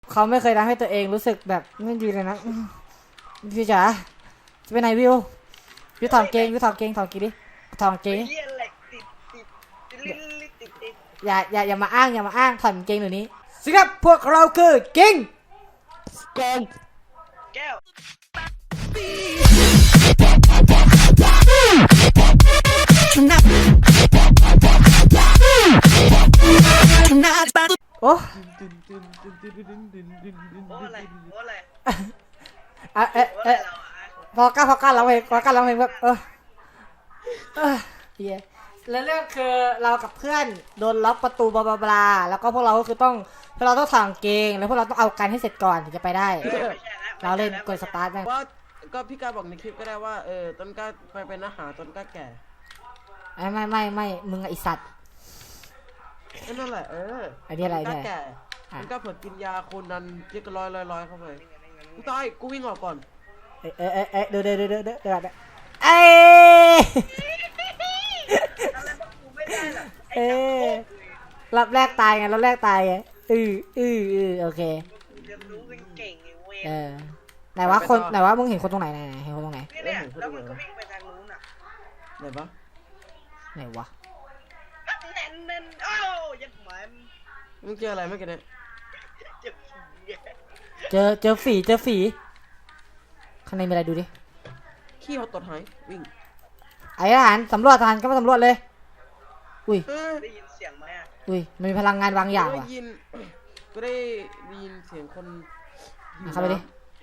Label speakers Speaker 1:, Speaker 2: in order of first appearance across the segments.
Speaker 1: เขาไม่เคยทำให้ตัวเองรู้สึกแบบไม่ดีเลยนะพี่จ๋าจะไปไหนวิวถอดเกงถอดเกงถอดกี่ดิถอดเกงอย่ามาอ้างถอดเกงเดี๋ยวนี้สิครับพวกเราคือเกงแก้วโอ้พอก้าเราเองแบบเย้แล้วเรื่องคือเรากับเพื่อนโดนล็อกประตูบลาแล้วก็พวกเราก็คือต้องสั่งเกงแล้วพวกเราต้องเอากันให้เสร็จก่อนถึงจะไปได้เราเล่นกดสตาร์ทนะ
Speaker 2: ว่าก็พี่กาบอกในคลิปก็ได้ว่าต้นกล้าไปเป็นอาหารต้นกล้าแก่
Speaker 1: ไม่มึงไอสัตว์
Speaker 2: นั่นแหละ
Speaker 1: อันนี้อะไร
Speaker 2: เนี่ยแก่ต้นกล้าเผื่อกินยาคนนั้นเยอะก็ร้อยเข้าไปกูตายกูวิ่งออกก่อน
Speaker 1: เดี๋ยวรับแรกตายไงโอเคไหนว่ามึงเห็นคนตรงไหนเห็นคนตรงไหน
Speaker 3: เนี่ยแล้วมันก็วิ่งไปทางนู้นอ่ะ
Speaker 1: ไหนวะ
Speaker 3: แน่นโอ้ยัดหมัน
Speaker 2: มึงเจออะไรเมื่อกี้เนี่ย
Speaker 1: เจอฝีข้างในมีอะไรดูดิ
Speaker 2: ขี้เขาตดหายวิ่ง
Speaker 1: ไอ้ทหารสำรวจก็มาสำรวจเลยอุ้ย
Speaker 3: ได้ยินเสียงไหมอ่ะ
Speaker 1: อุ้ยมันมีพลังงานบางอย่างว่ะ
Speaker 2: ก็ได้ยินเสียงคน
Speaker 1: เข้าไปดิ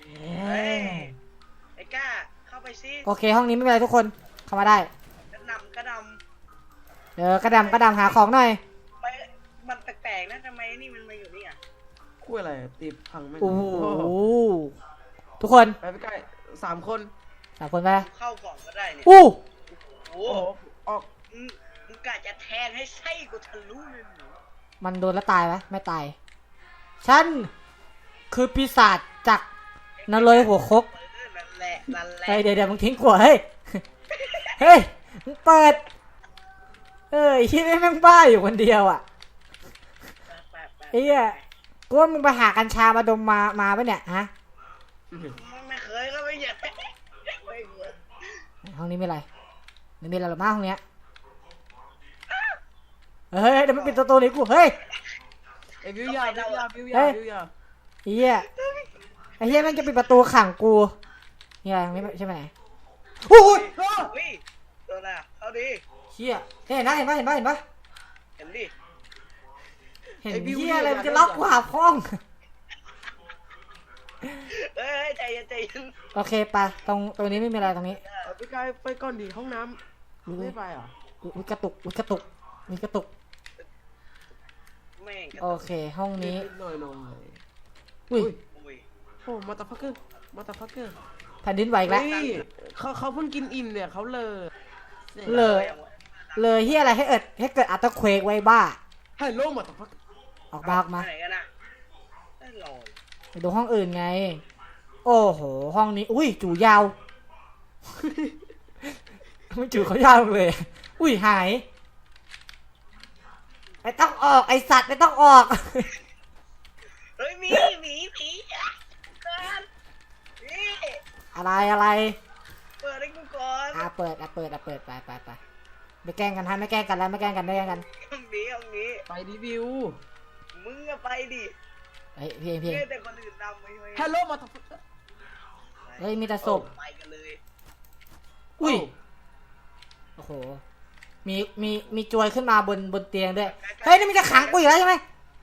Speaker 3: ไอ้ก้าเข้าไปซิ
Speaker 1: โอเคห้องนี้ไม่เป็นไรทุกคนเข้ามาได้
Speaker 3: กระดำกระ
Speaker 1: ดำหาของหน่อย
Speaker 3: มันแปลกๆนะทำไมนี่มันมาอยู่นี่อ่ะ
Speaker 2: คู่อะไรตีพังไม่
Speaker 1: โอ้โหทุกคน
Speaker 2: ไปใกล้3 คน
Speaker 1: ไป
Speaker 3: เข้าก่อนก็ได้เนี่ย
Speaker 1: โอ้
Speaker 3: โหออกมึงกะจะแทงให้ไส้กูทะลุเลยหนู
Speaker 1: มันโดนแล้วตายไหมไม่ตายฉันคือปีศาจจากนรกหัวคก
Speaker 3: นั่นแหละ
Speaker 1: เดี๋ยวมึงทิ้งขวดเฮ้ยมึงเปิดที่แม่งบ้าอยู่คนเดียวอ่ะไอ้เหี้ยกูว่ามึงไปหากัญชามาดมมาปะเนี่ยฮะ
Speaker 3: ไม่เคยก็ไม่อยาก
Speaker 1: ห้องนี้ไม่อะไรไม่มีอะไรหรอกมั้งห้องเนี้ยเฮ้ยเดี๋ยวมันปิดตัวนี้กูเฮ้ย
Speaker 2: วิวยาเ
Speaker 1: ฮียไอ้เฮียมันจะปิดประตูขังกูเฮียไม่ใช่ไหมโอ้ย
Speaker 3: ตัวน่ะเอาดิ
Speaker 1: เฮียเห็นปะ
Speaker 3: เห็นดิ
Speaker 1: เห็นเฮียอะไรมันจะล็อกกูหาห้อง
Speaker 3: เฮ้ยใจเย็น
Speaker 1: โอเคไปตรงนี้ไม่มีอะไรตรงนี้
Speaker 2: พี่กายไปก่อนดีห้องน้ำไม่ไปอ่ะ
Speaker 1: มีกระตุกโอเคห้องนี้
Speaker 2: หน่อย
Speaker 1: อุ้ย
Speaker 2: โอ้มาตาพักเกอร์
Speaker 1: แผ่นดินไหวแล้ว
Speaker 2: เขาเพิ่งกินอิ่มเนี่ยเขา
Speaker 1: เลยเฮียอะไรให้เกิดอัตเควกไว้บ้า
Speaker 2: ให้โลมาตาพัก
Speaker 1: ออกมา
Speaker 3: ไหนกันนะ
Speaker 1: ไปดูห้องอื่นไงโอ้โหห้องนี้อุ้ยจู่ยาวไม่จู่เขายาวเลยอุ้ยหายไม่ต้องออกไอสัตว์ไม่ต้องออก
Speaker 3: เฮ้ยมี
Speaker 1: อะไร
Speaker 3: เปิดให้กูก่อน
Speaker 1: เปิดไปไม่แกล้งกันไม่แกล้งกันห้องนี้
Speaker 2: ไปรีวิว
Speaker 3: มึงก็ไปดิ
Speaker 1: เพียง
Speaker 3: แต่คนอื่นนำไป
Speaker 2: ฮัลโหลมาท
Speaker 1: เฮ้ยมีแต่ศพ
Speaker 3: ไปกันเลย
Speaker 1: อุ้ยโอ้โหมีจวยขึ้นมาบนเตียงด้วยเฮ้ยนี่มันจะขังกูอยู่แล้วใช่ไหม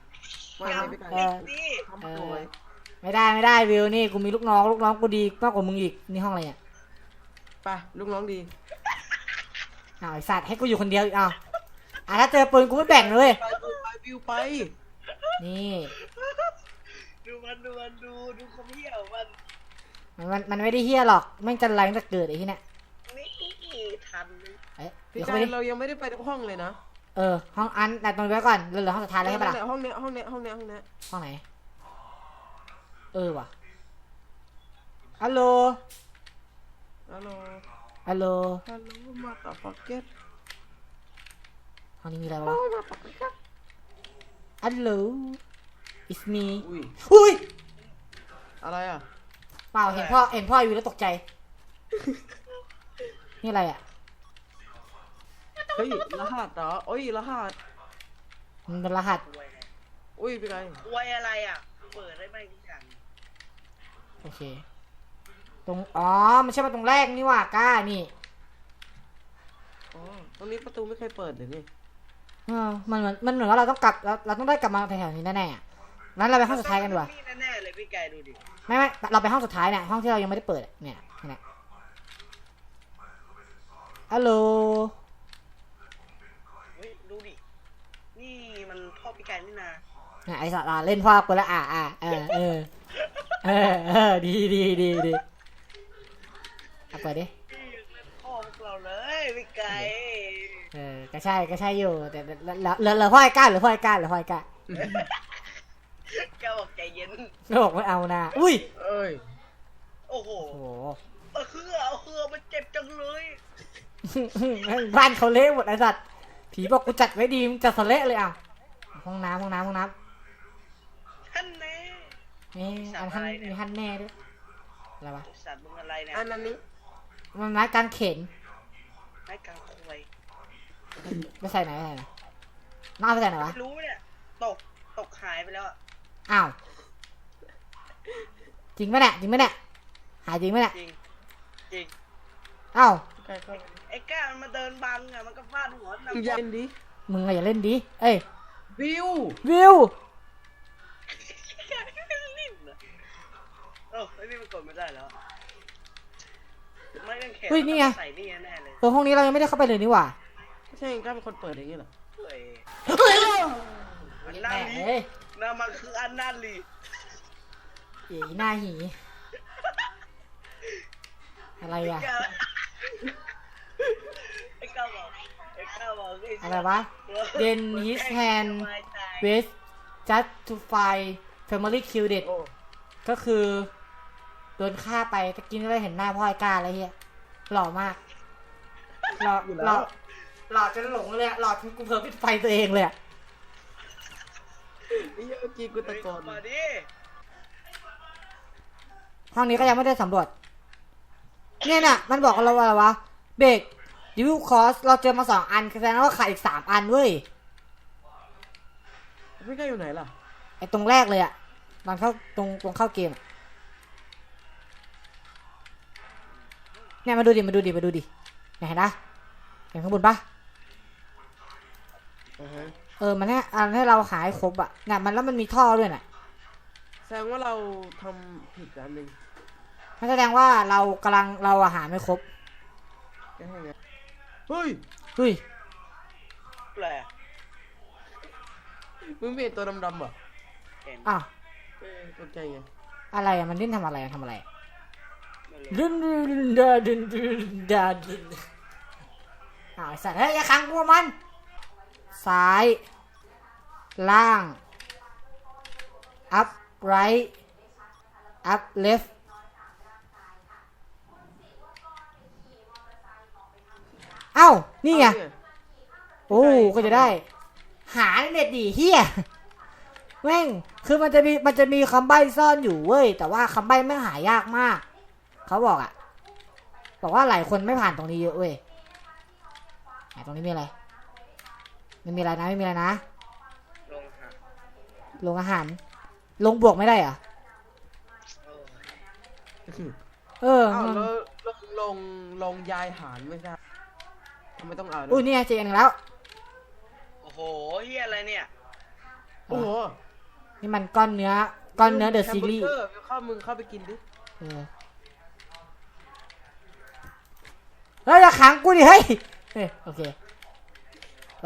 Speaker 1: ไม่ได้วิวนี่กูมีลูกน้องกูดีมากกว่ามึงอีกนี่ห้องอะไรเนี่ย
Speaker 2: ไปลูกน้องดี
Speaker 1: ไอสัตว์ให้กูอยู่คนเดียวอีกถ้าเจอปืนกูไม่แบ่งเลย
Speaker 2: วิวไป
Speaker 1: นี่
Speaker 3: ดูความเหี้ย
Speaker 1: มันไม่ได้เหี้ยหรอกแม่งจะแรงจะเกิดไอ้ที่เนี่ย
Speaker 3: นี่ทัน
Speaker 2: พี่กายเรายังไม่ได้ไปทุกห้องเลยนะ
Speaker 1: ห้องอันแต่ตรงนี้ไว้ก่อนเหลือห้องสุดท้ายแล้วใช่ปะล่ะ
Speaker 2: ห้องนี้ห้อง
Speaker 1: ไหนว่ะฮัลโหล
Speaker 2: มาต่อฟักเก็ต
Speaker 1: ห้องนี้มีอะไรวะฮัลโหล it's me อุ้ย
Speaker 2: อะไรอ่ะ
Speaker 1: เปล่าเห็นพ่ออยู่แล้วตกใจ นี่อะไรอ่ะ
Speaker 2: เฮ้ยรหัสเหรอโอ้ยรหัส
Speaker 1: มันเป็นรหัส
Speaker 3: อวยไง
Speaker 2: อุ้ยเป็นไง
Speaker 3: อวยอะไรอ่ะเปิดได้ไหมทุกอย่าง
Speaker 1: โอเคอ๋อมันใช่มาตรงแรกนี่ว่ากล้านี่
Speaker 2: อ๋อตรงนี้ประตูไม่เคยเปิดเลยนี่
Speaker 1: มันเหมือนว่าเราต้องกลับเราต้องได้กลับมาแถวๆนี้แน่ๆอ่ะงั้นเราไปห้องสุดท้ายกันดีกว่า
Speaker 3: นี่แน่ๆเลยพี่ไก่ดูดิ
Speaker 1: ไม่เราไปห้องสุดท้ายเนี่ยห้องที่เรายังไม่ได้เปิดอะเนี่ยฮัลโหล
Speaker 3: เฮ้ยดูดินี่มันพ่อพี่ไก่นี่นา
Speaker 1: เนี่ยไอ้สัตว์เล่นพ่อกูแล้วดีเอาเปิดดิ
Speaker 3: พี่ยังเล่นพ่อพวกเราเลยพี่ไก่
Speaker 1: ก็ใช่อยู่แต่เหลือพ่อไอ้ก้าหรือพ่อไอ้ก้า
Speaker 3: แกบอกใจเย็น
Speaker 1: ก็บอกไม่เอานะอุ้ย
Speaker 2: เอ้ย
Speaker 3: โอ้โห
Speaker 1: โอ้โห
Speaker 3: เอาเครือมันเจ็บจังเลย
Speaker 1: บ้านเขาเละหมดไอ้สัตว์ผีบอกกูจัดไว้ดีมึงจัดสเละเลยอ่ะห้องน้ำ
Speaker 3: ท่านแน่
Speaker 1: นี่อันท่านมีท่านแน่ด้วยอะไรวะ
Speaker 3: สัตว์มึงอะไรเนี่ย
Speaker 2: อันนั้นนี้
Speaker 1: มันไม้กางเขน
Speaker 3: ไม้กางควย
Speaker 1: ไม่ใส่ไหนน้องเอาไปใส่ไหนวะ
Speaker 3: ไม่รู้เนี่ยตกหายไปแล้วอะ
Speaker 1: อ้าวจริงไหมเนี่ยหายจริงไหมเนี่ย
Speaker 3: จริง
Speaker 1: อ้าว
Speaker 2: ใกล้เข้า
Speaker 3: ไอ้ก้ามันมาเดินบังอะมันก็ฟาดหัว
Speaker 2: มึง
Speaker 3: นำ
Speaker 2: อย่าเล่นดิ
Speaker 1: มึงอย่าเล่นดิเอ้ย
Speaker 2: วิว
Speaker 1: วิว
Speaker 3: รีบเลยไอ้นี่มันกดไม่ได้แล้วไม่ต้องแขน
Speaker 1: อุ้ยนี่ไง
Speaker 3: ใส่นี่แน่เลย
Speaker 1: ห้องนี้เรายังไม่ได้เข้าไปเลยนี่หว่า
Speaker 2: ไม่ใช่เองกล้าเป็นคนเปิดอย่างนี้เหรอ
Speaker 3: เฮ้ย
Speaker 1: เฮ้ย
Speaker 3: อัน
Speaker 1: แห
Speaker 3: นั่นลี
Speaker 1: ม
Speaker 3: นั่นมันคืออันนั่นลี
Speaker 1: เอ๋หน้าหีอะไรอ่ะ
Speaker 3: ไอ้ก้าบอกไ
Speaker 1: อะไรวะ Then his hand with just to find family killed it
Speaker 2: โอ้
Speaker 1: ก็คือโดนฆ่าไปตะกี้นี่เราเห็นหน้าพ่อไอ้ก้าอะไรเฮียหล่อมากหล่อจนหลงเลยอะหล่อจนกูเผลอปิดไฟตัวเองเลยอะ
Speaker 2: ไอ้เหี้ยเมื่อกี้กูตะโกน
Speaker 3: มาดิ
Speaker 1: ห้องนี้ก็ยังไม่ได้สำรวจเนี่ยน่ะมันบอกเราว่าอะไรวะเบรกดิวคอสเราเจอมา2 อันแสดงว่าขาดอีก3 อันเว้ย
Speaker 2: ไม่ใกล้อยู่ไหนล่ะ
Speaker 1: ไอ้ตรงแรกเลยอะตอนเข้าตรงเข้าเกมอะเนี่ยมาดูดิเนี่ยเห็นนะเห็นข้างบนปะ มันให้เราหายครบอะเนี่ยมันแล้วมันมีท่อด้วยน่ะ
Speaker 2: แสดงว่าเราทำผิดอันหนึ่ง
Speaker 1: มันแสดงว่าเราอาหารไม่ครบ
Speaker 2: ก็ให้ไงเฮ้ย
Speaker 1: เฮ้ย
Speaker 3: แปล
Speaker 2: มึงไม่เห็นตัวดำๆเหรอ
Speaker 3: เห็น
Speaker 1: อ้าว
Speaker 2: ตกใจไง
Speaker 1: อะไรอะมันดิ้นทำอะไรอะ
Speaker 3: ไม่รู้
Speaker 1: ดึนอ้าวไอ้สัตว์เฮ้ยอย่าขังกูมันซ้าย ล่าง up right up left เอ้านี่ไง โอ้ก็จะได้ หาเน็ตดีเฮียแม่งคือมันจะมีคำใบ้ซ่อนอยู่เว้ยแต่ว่าคำใบ้ไม่หายากมากเขาบอกว่าหลายคนไม่ผ่านตรงนี้เยอะเว้ยตรงนี้มีอะไรไม่มีอะไรนะ
Speaker 3: ลงหา
Speaker 1: ลงอาหารลงบวกไม่ได้เหรอ
Speaker 3: โอ้ย
Speaker 1: เออ
Speaker 2: อ้าวแล้วลงยายหารไม่ใช่ทำไมต้องอ่านด้วย
Speaker 1: อุ้ยนี่ไงเจออนแล้ว
Speaker 3: โอ้โหเฮียอะไรเนี่ย
Speaker 2: โอ้โห
Speaker 1: นี่มันก้อนเนื้อเดอะซีรีส์
Speaker 2: แฮมเบอร์เกอมึงเข้าไปกินดิ
Speaker 1: เฮ้ยอย่าขังกูดิเฮ้ยโอเคไป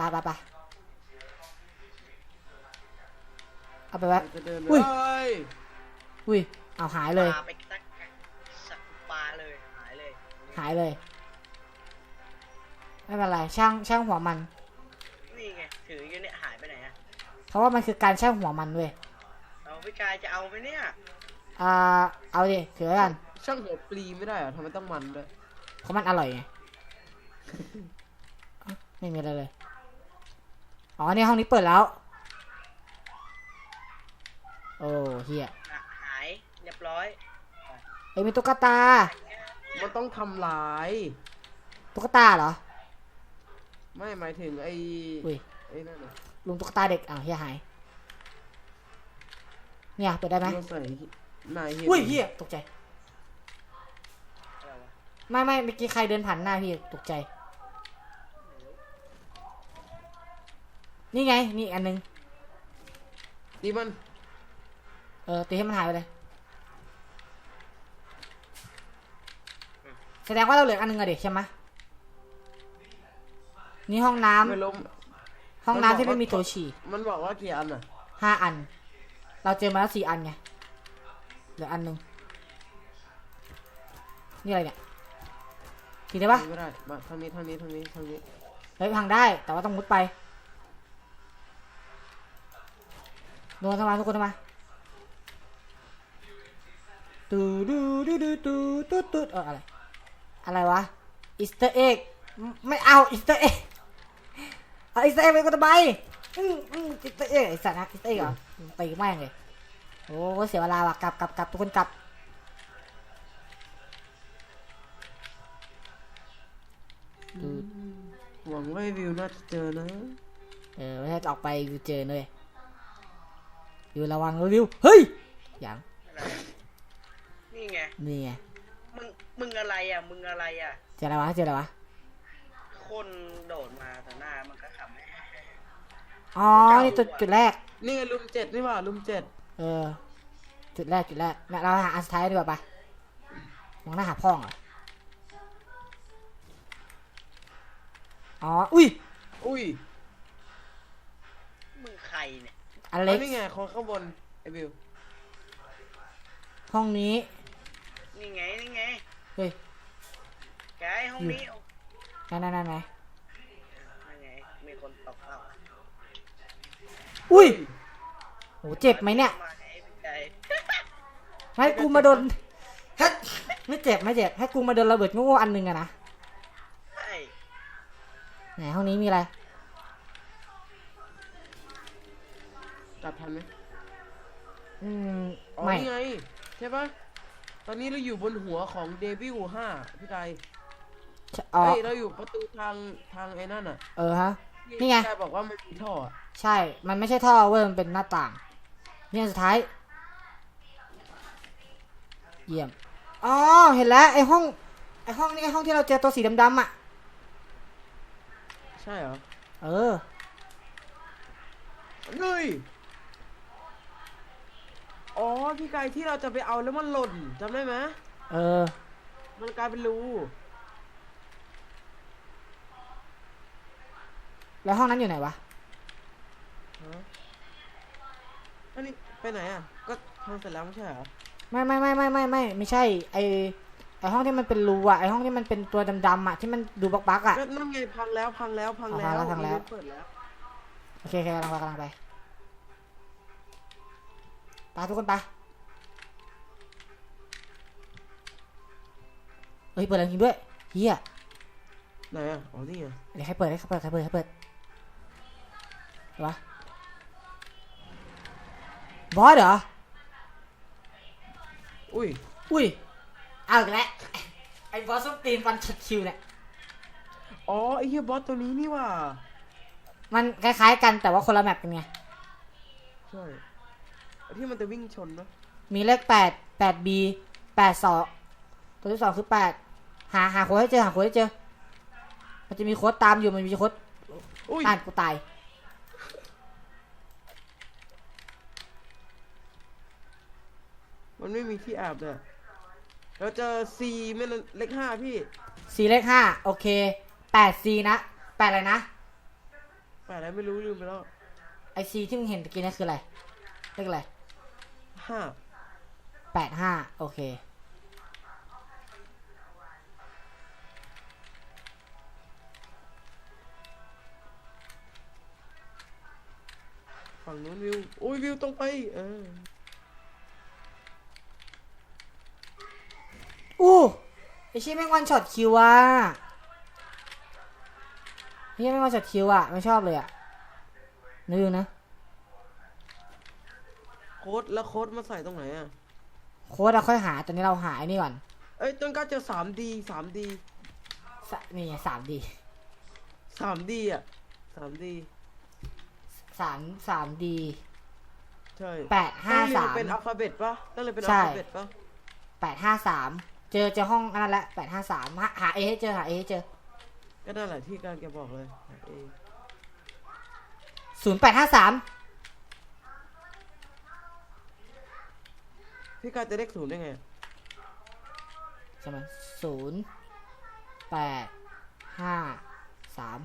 Speaker 1: เอาไปไว้
Speaker 2: จะเดิน
Speaker 1: อุ้ย
Speaker 2: เฮ้ย
Speaker 1: อุ้ยเอาหายเลย
Speaker 3: ปลาไปตักสักปลาเลยหายเลย
Speaker 1: ไม่เป็นไรช่างหัวมัน
Speaker 3: นี่ไงถืออยู่เนี่ยหายไปไหนอะ
Speaker 1: เพราะว่ามันคือการช่างหัวมันเว้ย
Speaker 3: เอาพี่กายจะเอาไหมเนี่ย
Speaker 1: เอาดิถือไว้กัน
Speaker 2: ช่างหัวปลีไม่ได้เหรอทำไมต้องมันด้วย
Speaker 1: เพราะมันอร่อยไง ไม่มีอะไรเลยอ๋อนี่ห้องนี้เปิดแล้วโอ้เฮีย
Speaker 3: หายเรียบร้อย
Speaker 1: เอ้ยมีตุ๊กตา
Speaker 2: มันต้องทำลาย
Speaker 1: ตุ๊กตาเหรอ
Speaker 2: ไม่หมายถึงไอ้
Speaker 1: อุ้ย
Speaker 2: ไอ้นั่นน่ะ
Speaker 1: ลุงตุ๊กตาเด็กอ้าวเฮียหายเนี่ยเปิดได้ไหม
Speaker 2: เราใส่นายเฮีย
Speaker 1: อุ้ยเฮียตกใจ
Speaker 3: อะไรวะ
Speaker 1: ไม่เมื่อกี้ใครเดินผ่านหน้าพี่ตกใจนี่ไงนี่อีกอันนึง
Speaker 2: ดีมัน
Speaker 1: ตีให้มันหายไปเลยแสดงว่าเราเหลืออันนึงอะเด็กใช่ไหมนี่ห้องน้ำ
Speaker 2: ไม่ล้ม
Speaker 1: ห้องน้ำที่ไม่มีโถฉี่
Speaker 2: มันบอกว่ากี่อันอ่ะ
Speaker 1: 5 อัน เราเจอมาแล้ว4 อันไงเหลืออันนึงนี่อะไรเนี่ยทีได้ปะ
Speaker 2: ไม่ได้มาทางนี้
Speaker 1: เฮ้ยพังได้แต่ว่าต้องมุดไปโดนทำไมทุกคนทำไมตูดูดูดูตูตูตูอะไรวะอีสเตอร์เอ็กไม่เอาอีสเตอร์เอ็กเอาอีสเตอร์เอ็กไปกูทำไมอีสเตอร์เอ็กไอสัตว์นะอีสเตอร์เอ็กเหรอตีแม่งเลยโอ้เสียเวลาว่ะกลับทุกคนกลับ
Speaker 2: หวังว่าวิวน่าจะเจอนะ
Speaker 1: ไม่ใช่ออกไปวิวเจอเลยวิวระวังวิวเฮ้ยอย่าง
Speaker 3: อะไรนี่ไง
Speaker 1: นี่ไง
Speaker 3: มึงอะไรอ่ะมึงอะไรอ่ะ
Speaker 1: เจออะไรวะ
Speaker 3: คนโดดมาแต่หน้ามันก็ขำ
Speaker 1: อ๋อนี่จุดแรก
Speaker 2: นี่ไงลุม 7นี่หว่าลุม 7
Speaker 1: จุดแรกเนี่ยเราหาอันสุดท้ายดีกว่าปะมองหน้าหาพ่องเหรออ๋ออุ้ย
Speaker 3: มึงใครเนี่ย
Speaker 1: อเล็ก
Speaker 2: นี่ไงคนข้างบนไอ้วิว
Speaker 1: ห้องนี้
Speaker 3: นี่ไง
Speaker 1: เฮ้ย
Speaker 3: แกไอ้ห้องนี้เอา
Speaker 1: นั่น
Speaker 3: นั่นไงมีคนตกเปล่า
Speaker 1: อุ้ยโหเจ็บไหมเนี่ย
Speaker 3: มาให้พี่ใจ
Speaker 1: ให้กูมาโดนไม่เจ็บให้กูมาโดนระเบิดโง่ๆอันหนึงอะนะ
Speaker 3: ใช่
Speaker 1: ไหนห้องนี้มีอะไร
Speaker 2: จับทันไหม อ๋อ
Speaker 1: ไม่
Speaker 2: นี่ไงใช่ปะตอนนี้เราอยู่บนหัวของเดวิล5พี่กาย
Speaker 1: อ๋อ
Speaker 2: เฮ้ยเราอยู่ประตูทางไอ้นั่นอ่ะ
Speaker 1: ฮะนี่ไง
Speaker 2: พี่กายบอกว่ามันมีท่ออะ
Speaker 1: ใช่ มันไม่ใช่ท่อเว้ยมันเป็นหน้าต่างเนี่ยสุดท้ายเยี่ยมอ๋อเห็นแล้วไอ้ห้องนี่ไอ้ห้องที่เราเจอตัวสีดำๆอ่ะ
Speaker 2: ใช่เหรอ
Speaker 1: เออ
Speaker 2: เฮ้ยอ๋อพี่กายที่เราจะไปเอาแล้วมันหล่นจำได้ไหม
Speaker 1: เออ
Speaker 2: มันกลายเป็นรู
Speaker 1: แล้วห้องนั้นอยู่ไหนวะ
Speaker 2: ฮะอันนี้ไปไหนอ่ะก็ทำเสร็จแล้วไม่ใช่เหรอ
Speaker 1: ไม่ใช่ไอห้องที่มันเป็นรูอ่ะไอห้องที่มันเป็นตัวดำๆอ่ะที่มันดูบักๆอ่ะ
Speaker 2: ก็นั่นไงพังแล้ว
Speaker 1: พังแล้ว
Speaker 2: เปิดแล้ว
Speaker 1: โอเคกำลังไปทุกคนไปเฮ้ยเปิดแล้วจริงด้วยเฮีย
Speaker 2: ไหนอ่ะอ๋อนี่ไง
Speaker 1: เดี๋ยวใครเปิดวะบอสเหรอ
Speaker 2: อุ้ย
Speaker 1: เอาอีกแล้วไอ้บอสส้มตีนฟันช็อตคิวเนี่ย
Speaker 2: อ๋อไอ้เหี้ยบอสตัวนี้นี่ว่ะ
Speaker 1: มันคล้ายๆกันแต่ว่าคนละแมปกันไง
Speaker 2: ใช่ไอ้ที่มันจะวิ่งชนเนอะ
Speaker 1: มีเลข8 B 82ตัวที่2คือ8หาโค้ดให้เจอมันจะมีโค้ดตามอยู่มันมีโค้ด
Speaker 2: อุ้ย
Speaker 1: อ่านกูตาย
Speaker 2: มันไม่มีที่อาบเลยเราเจอ C ไม่เลข5พี่
Speaker 1: C เลข5โอเค8 C นะ8อะไรนะ
Speaker 2: 8อะไรไม่รู้ลืมไปแล้ว
Speaker 1: ไอ C ที่มึงเห็นตะกี้นั่นคืออะไรเลขอะไร
Speaker 2: 5
Speaker 1: 85โอเค
Speaker 2: ฝั่งนู้นวิวโอ้ยวิวตรงไป
Speaker 1: อู้ไอชี้แม่งวันช็อตคิวอ่ะไอชี้แม่งวันช็อตคิวอ่ะไม่ชอบเลยอ่ะนึกนะ
Speaker 2: โค้ดแล้วโค้ดมาใส่ตรงไหนอ่ะ
Speaker 1: โค้ดเราค่อยหาตอนนี้เราหาไอ้นี่ก่อน
Speaker 2: เอ้ยต้นกล้าเจอ 3D
Speaker 1: นี่ไง3D
Speaker 2: 3D อ่ะ 3D
Speaker 1: 3D
Speaker 2: ใช่
Speaker 1: 853
Speaker 2: เป็นอัลฟาเบตปะต้องเลยเป็นอั
Speaker 1: ใช่
Speaker 2: ลฟาเบตปะ
Speaker 1: 853เจอห้องอันนั้นแหละ853หาเอให้เจอหาเอให้เจอ
Speaker 2: ก็นั่นแหละที่การแกบอกเลยเอง
Speaker 1: 0853
Speaker 2: พี่การจะเลข0ได้ไง
Speaker 1: ใช่ไหม0853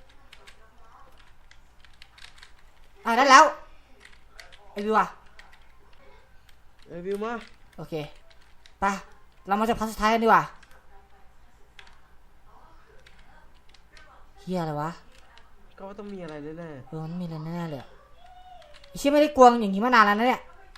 Speaker 1: ได้แล้วไอ้วิวอะ
Speaker 2: วิวมา
Speaker 1: โอเคไปเรามาจากพาร์ทสุดท้ายกันดีกว่าเฮียอะไรวะ
Speaker 2: ก็ว่าต้องมีอะไรแน่
Speaker 1: มันมีอะไรแน่ๆเลยไอ้เชี่ยไม่ได้กวงอย่างนี้มานานแล้วนะเนี่ย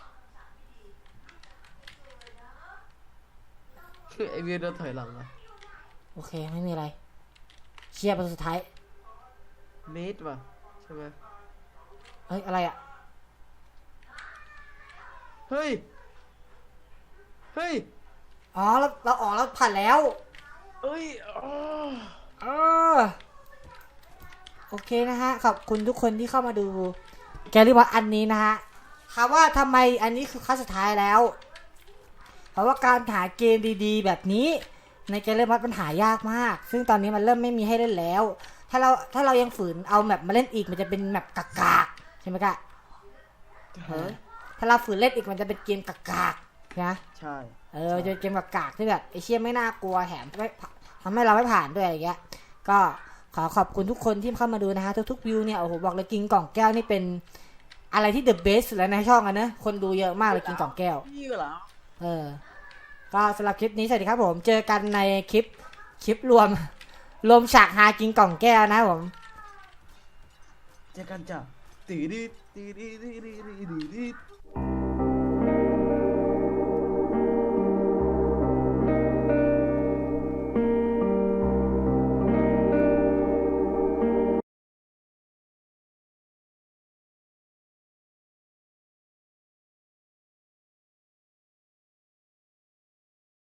Speaker 2: ๆไอวิวเดินถอยหลังอะ
Speaker 1: โอเคไม่มีอะไรเชี่ยประตูสุดท้าย
Speaker 2: เมตรว่ะใช่ไหม
Speaker 1: เฮ้ยอะไรอะ
Speaker 2: เฮ้ย
Speaker 1: อ๋อเราออกแล้วผ่านแล้ว
Speaker 2: เอ้ยอ๋อ
Speaker 1: เออโอเคนะฮะขอบคุณทุกคนที่เข้ามาดูแกรี่บอสอันนี้นะฮะถามว่าทำไมอันนี้คือขั้นสุดท้ายแล้ว เพราะว่าการหาเกมดีๆแบบนี้ในแกรี่บอสมันหายากมาก ซึ่งตอนนี้มันเริ่มไม่มีให้เล่นแล้ว ถ้าเรายังฝืนเอาแมปมาเล่นอีกมันจะเป็นแมปกากๆใช่ไหมกะ
Speaker 2: ฮะ
Speaker 1: ถ้าเราฝืนเล่นอีกมันจะเป็นเกมกากๆนะ
Speaker 2: ใช่
Speaker 1: จะเป็นเกมกากๆที่แบบไอเชี่ยไม่น่ากลัวแถมไม่ทำให้เราไม่ผ่านด้วยอะไรเงี้ยก็ขอขอบคุณทุกคนที่เข้ามาดูนะฮะทุกๆวิวเนี่ยโอ้โหบอกเลยกินกล่องแก้วนี่เป็นอะไรที่ the best สุดแล้วในช่องอะนะคนดูเยอะมากเลยกินกล่องแก้ว
Speaker 2: พี่เหรอ
Speaker 1: ก็สำหรับคลิปนี้สวัสดีครับผมเจอกันในคลิปรวมฉากหากินกล่องแก้วนะครับผม
Speaker 2: เจอกันจ้ะตีดี